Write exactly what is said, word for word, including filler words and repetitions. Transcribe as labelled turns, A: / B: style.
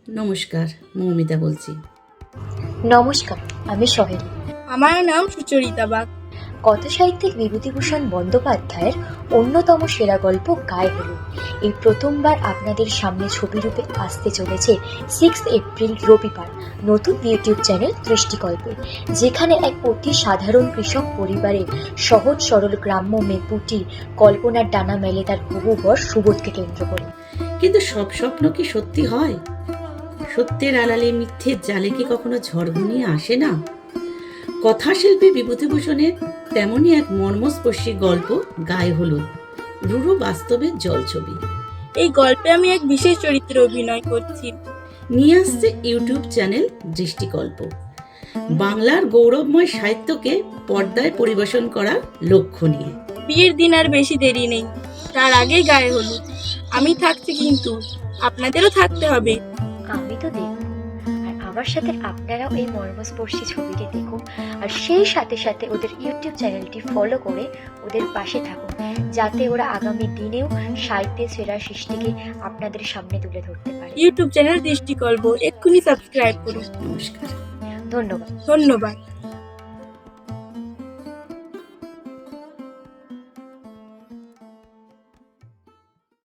A: নমস্কার, মৌমিতা বলছি।
B: নমস্কার, আমি সহেলি।
C: আমার নাম সুচরিতা বাগ।
B: কথাসাহিত্যিক বিভূতিভূষণ বন্দ্যোপাধ্যায়ের অন্যতম সেরা গল্প গায়ে হলুদ এই প্রথমবার আপনাদের সামনে ছবিরূপে আসতে চলেছে সিক্স এপ্রিল রবিবার নতুন ইউটিউব চ্যানেল দৃষ্টিকল্পে, যেখানে এক অতি সাধারণ কৃষক পরিবারে সহজ সরল গ্রাম্য মেপুটি কল্পনার ডানা মেলে তার হবু বর সুবোধকে কেন্দ্র করে।
A: কিন্তু সব স্বপ্ন কি সত্যি হয়? সত্যের আড়ালে মিথ্যের জালে কি কখনো ঝড় ঘনিয়ে আসে না? কথাশিল্পী বিভূতিভূষণের তেমনই এক মর্মস্পর্শী গল্প গায়ে হলুদ, রুরু বাস্তবের জলছবি।
C: এই গল্পে আমি এক বিশেষ চরিত্রে অভিনয় করছি।
A: নিয়ে আসছে ইউটিউব চ্যানেল দৃষ্টিকল্প, বাংলার গৌরবময় সাহিত্যকে পর্দায় পরিবেশন করার লক্ষ্য নিয়ে।
C: বিয়ের দিন আর বেশি দেরি নেই, তার আগেই গায়ে হলুদ। আমি থাকছি, কিন্তু আপনাদেরও থাকতে হবে।
B: আমি তো দেখব, আর আমার সাথে আপনারাও এই মর্মস্পর্শী ছবিটি দেখুন, আর সেই সাথে সাথে ওদের ইউটিউব চ্যানেলটি ফলো করে ওদের পাশে থাকুন, যাতে ওরা আগামী দিনেও সাহিত্যের সেরা সৃষ্টিকে আপনাদের সামনে তুলে ধরতে পারে।
C: ইউটিউব চ্যানেল দৃষ্টিকল্প এক্ষুনি সাবস্ক্রাইব করুন।
A: নমস্কার।
B: ধন্যবাদ।
C: ধন্যবাদ।